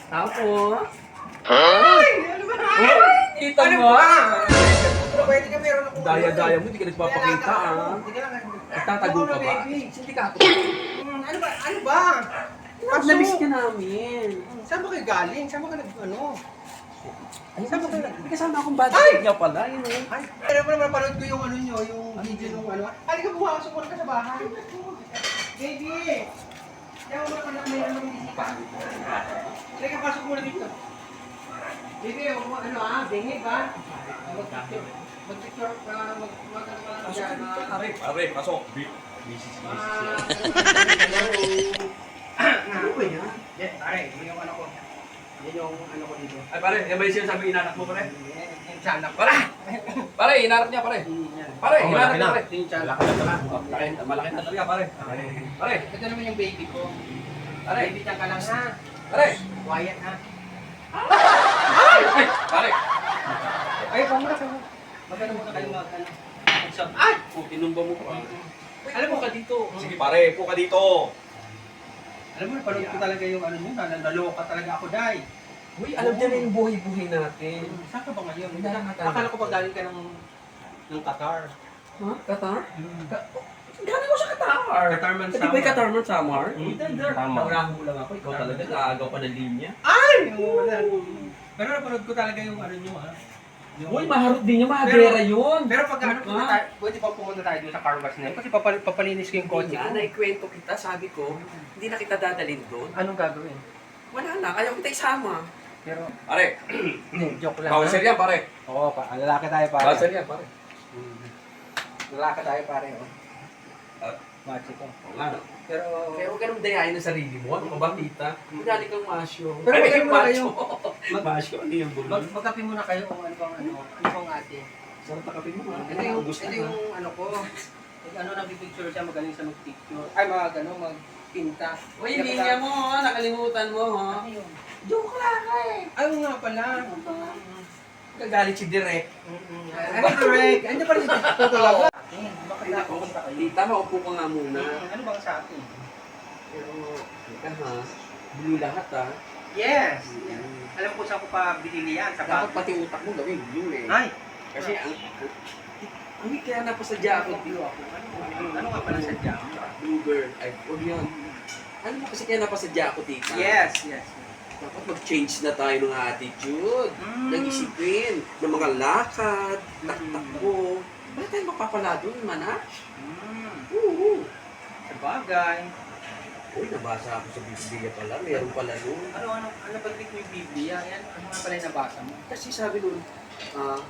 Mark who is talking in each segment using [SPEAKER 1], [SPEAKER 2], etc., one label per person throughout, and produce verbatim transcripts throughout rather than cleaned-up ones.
[SPEAKER 1] Tapos,
[SPEAKER 2] Ay! Ano ba?
[SPEAKER 1] Ay! Kita
[SPEAKER 2] Ano
[SPEAKER 1] mo?
[SPEAKER 2] ba? Pero pwede ka meron akong...
[SPEAKER 1] Daya-daya mo, hindi ka nagpapakita ah.
[SPEAKER 2] Hindi ka lang.
[SPEAKER 1] Nagtatago ka ba?
[SPEAKER 2] Baby.
[SPEAKER 1] Sindikato.
[SPEAKER 2] Hmm, ano ba? Ano ba?
[SPEAKER 1] At namiss ka namin.
[SPEAKER 2] Hmm, Saan ba kayo galing? Saan ba ka nag... Ano?
[SPEAKER 1] Ay, saan ba kayo? May kasama akong bad
[SPEAKER 2] Ay!
[SPEAKER 1] trip niya pala, yun eh.
[SPEAKER 2] Ay, pero pa naman napanood ko yung ano nyo, yung video nung ano. Ay, ka bumasok muna ka sa bahay. Baby! Kaya mo muna ka mayroon ng bisita. Sige, pasok muna dito. Baby, huwag mo ano ah, dingig ah. Mag-picture. Mag-picture, ah, mag... mag... ano ka lang dyan, ah.
[SPEAKER 1] Pare, pare, pasok.
[SPEAKER 2] Ah, Ano ba yan? Yes, pare, yun yung ano ko. Yan yung ano ko dito.
[SPEAKER 1] Ay pare, yan ba yung sinasabi inanak mo pare?
[SPEAKER 2] Yan, yung tiyanak.
[SPEAKER 1] Pare! Pare, inanak niya pare.
[SPEAKER 2] Yan.
[SPEAKER 1] Pare,
[SPEAKER 3] Oh,
[SPEAKER 1] inanak
[SPEAKER 3] malaki
[SPEAKER 1] niya
[SPEAKER 3] na.
[SPEAKER 1] pare.
[SPEAKER 2] Ito yung tiyanak.
[SPEAKER 1] Malaki na pala. Oh, malaki, malaki na talaga pare. Pare,
[SPEAKER 2] Ito naman yung baby ko.
[SPEAKER 1] pare,
[SPEAKER 2] Baby tiyan ka lang ha.
[SPEAKER 1] pare.
[SPEAKER 2] Quiet ha.
[SPEAKER 1] Ay, ay, pare.
[SPEAKER 2] Ay, pamura ka mo. Magano muna kayo mag ano. Mag-shop. Ay!
[SPEAKER 1] Oh, tinumba mo pa.
[SPEAKER 2] Alam mo ka dito.
[SPEAKER 1] Sige pare, po ka dito.
[SPEAKER 2] Alam mo, napanood ko talaga yung ano nyo, na naloka talaga ako, Day.
[SPEAKER 1] Uy, alam niya na yung buhay-buhay natin.
[SPEAKER 2] Saan ka ba ngayon?
[SPEAKER 1] Hindi na nakakala.
[SPEAKER 2] Akala ko pa galing ka ng ng Qatar.
[SPEAKER 1] Ha? Qatar? Galing ko sa Qatar.
[SPEAKER 2] Qatarman
[SPEAKER 1] Hindi ba yung Qatar man Samar?
[SPEAKER 2] Hmm.
[SPEAKER 3] Tama.
[SPEAKER 1] Naurahan lang ako. Ikaw talaga, naagaw pa ng linya.
[SPEAKER 2] Ay! Oo, wala. Pero napanood ko talaga yung ano nyo, ha? Yung-
[SPEAKER 1] Uy, maharot din niya, mahagera yun.
[SPEAKER 2] Pero pag ano,
[SPEAKER 1] Ha?
[SPEAKER 2] punta tayo, pwede pa pumunta tayo doon sa car wash na yun. Kasi papal papalinis ko yung kotse
[SPEAKER 1] Kotse
[SPEAKER 2] ko.
[SPEAKER 1] ko. Naikwento kita, sabi ko, hindi na kita dadalhin doon.
[SPEAKER 2] Anong gagawin?
[SPEAKER 1] Wala na, ayaw kita isama.
[SPEAKER 2] Pero,
[SPEAKER 1] Pare,
[SPEAKER 2] hindi, joke lang.
[SPEAKER 1] bawal
[SPEAKER 2] ha?
[SPEAKER 1] yan pare.
[SPEAKER 2] Oo, pa, lalaki tayo pare.
[SPEAKER 1] Bawal yan pare.
[SPEAKER 2] Hmm. Lalaki tayo pare, oh.
[SPEAKER 1] Ah.
[SPEAKER 2] Machi ko.
[SPEAKER 1] Oo nga. no.
[SPEAKER 2] Pero,
[SPEAKER 1] Kaya huwag ka nang dayain ng sarili mo. Ano ka ba, tita? Madali kang masyo.
[SPEAKER 2] Pero
[SPEAKER 1] Ay,
[SPEAKER 2] magano muna kayo?
[SPEAKER 1] Mag masyo, ano yung
[SPEAKER 2] mag,
[SPEAKER 1] bulong?
[SPEAKER 2] magkape muna kayo kung ano bang ano, ano bang ate.
[SPEAKER 1] Sarap na kape mo ha.
[SPEAKER 2] Ito yung,
[SPEAKER 1] Ubus
[SPEAKER 2] ito
[SPEAKER 1] na,
[SPEAKER 2] yung ano ko. Pag ano, nagpipicture siya, magaling sa magpicture. Ay, mag ano, magpinta.
[SPEAKER 1] ha. Uy, linya mo ha. Nakalimutan mo ha.
[SPEAKER 2] Ano yun?
[SPEAKER 1] Joke lang ka eh.
[SPEAKER 2] Ay, oo nga pala.
[SPEAKER 1] Gagalit si Direk.
[SPEAKER 2] Ay, correct. Ano pa rin ito talaga? Eh, bakit na pupunta kayo?
[SPEAKER 1] Tita, maupo ka nga muna.
[SPEAKER 2] Ano bang sa akin?
[SPEAKER 1] Pero, teka ha. Blue lahat ha.
[SPEAKER 2] Yes! Alam ko saan ko pa binili yan. Sa
[SPEAKER 1] Dapat
[SPEAKER 2] bag.
[SPEAKER 1] pati utak mo gawin blue eh.
[SPEAKER 2] Ay!
[SPEAKER 1] Kasi ang... Ang kaya napasadya ako blue ako.
[SPEAKER 2] Ano nga pala sa jam?
[SPEAKER 1] Blue girl. Ay, huwag yun. Ano mo kasi kaya napasadya ako, tita?
[SPEAKER 2] Yes, yes.
[SPEAKER 1] Dapat mag-change na tayo ng attitude.
[SPEAKER 2] Mm.
[SPEAKER 1] Ng isipin. Ng mga lakad. Taktakbo. Bakit tayo mapapala doon, man ha?
[SPEAKER 2] Mm.
[SPEAKER 1] Oo.
[SPEAKER 2] Sa bagay.
[SPEAKER 1] Uy, nabasa ako sa Biblia pala. Meron pala doon.
[SPEAKER 2] Ano, ano, ano ba mo yung Biblia? Yan, ano nga pala yung nabasa mo?
[SPEAKER 1] Kasi sabi doon, ah,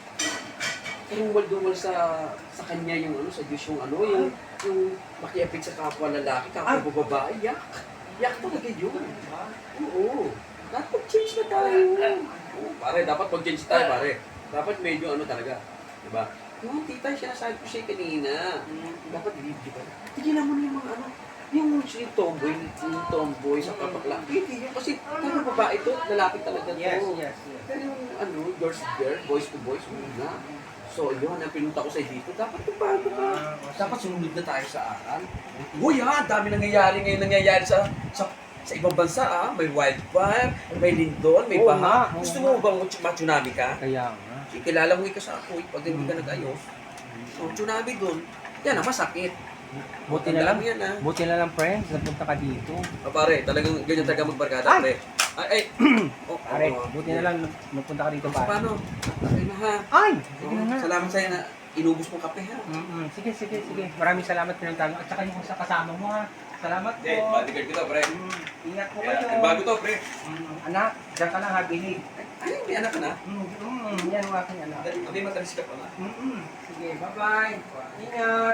[SPEAKER 1] tumuwal-duwal sa sa kanya yung ano, sa Diyos yung ano, yung, yung makiapit sa kapwa lalaki, kapwa babae, yak. Yak talaga yun. Oo. Dapat mag-change na tayo. Oo, pare, dapat mag-change tayo, pare. Dapat medyo ano talaga. Diba? Yung tita, sinasabi ko siya kanina. Dapat di ba? Tigilan mo na yung mga ano, yung si tomboy, yung tomboy sa kapakla. Hindi yun kasi kung babae to, lalaki talaga to.
[SPEAKER 2] Yes, yes, yes.
[SPEAKER 1] Pero yung ano, girls to girl, boys to boys, muna. So yun, ang pinunta ko sa dito, dapat bago ka. Dapat sumunod na tayo sa aral. Uy ha, dami nangyayari ngayon nangyayari sa sa sa ibang bansa ah. May wildfire, may lindol, may
[SPEAKER 2] Oo
[SPEAKER 1] baha.
[SPEAKER 2] nga, oo
[SPEAKER 1] Gusto
[SPEAKER 2] nga.
[SPEAKER 1] mo bang ma-tsunami ka?
[SPEAKER 2] Kaya nga.
[SPEAKER 1] Eh, kilala mo ka sa apoy pag hindi ka nag-ayos. So, tsunami doon. Yan ang masakit.
[SPEAKER 2] Buti na lang.
[SPEAKER 1] Tandaan mo yan ah.
[SPEAKER 2] Buti na lang, friends. Napunta ka dito.
[SPEAKER 1] Ah, pare, talagang ganyan talaga magbarkada,
[SPEAKER 2] Ay!
[SPEAKER 1] pare. Ay, ay. Oh,
[SPEAKER 2] Pare,
[SPEAKER 1] oh,
[SPEAKER 2] buti na lang napunta ka dito,
[SPEAKER 1] So,
[SPEAKER 2] pare.
[SPEAKER 1] paano? Okay na ha.
[SPEAKER 2] Ay! Sige na
[SPEAKER 1] Oh,
[SPEAKER 2] nga.
[SPEAKER 1] salamat sa'yo na inubos mong kape ha.
[SPEAKER 2] Mm-mm. Sige, sige, sige. Maraming salamat pinuntahan mo. At saka yung sa kasama mo ha. Salamat po.
[SPEAKER 1] bodyguard ko to, pre.
[SPEAKER 2] Mm, Ingat po kayo.
[SPEAKER 1] Bago to, pre.
[SPEAKER 2] Mm, Anak, diyan ka lang ha, binig.
[SPEAKER 1] Ay, may anak ka na?
[SPEAKER 2] Mm, mm, yan ang aking anak.
[SPEAKER 1] Abi, matalis ka pa nga.
[SPEAKER 2] Mm-mm. Sige, bye-bye. Ingat.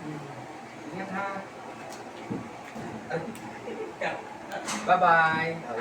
[SPEAKER 2] Ingat ha. Bye-bye.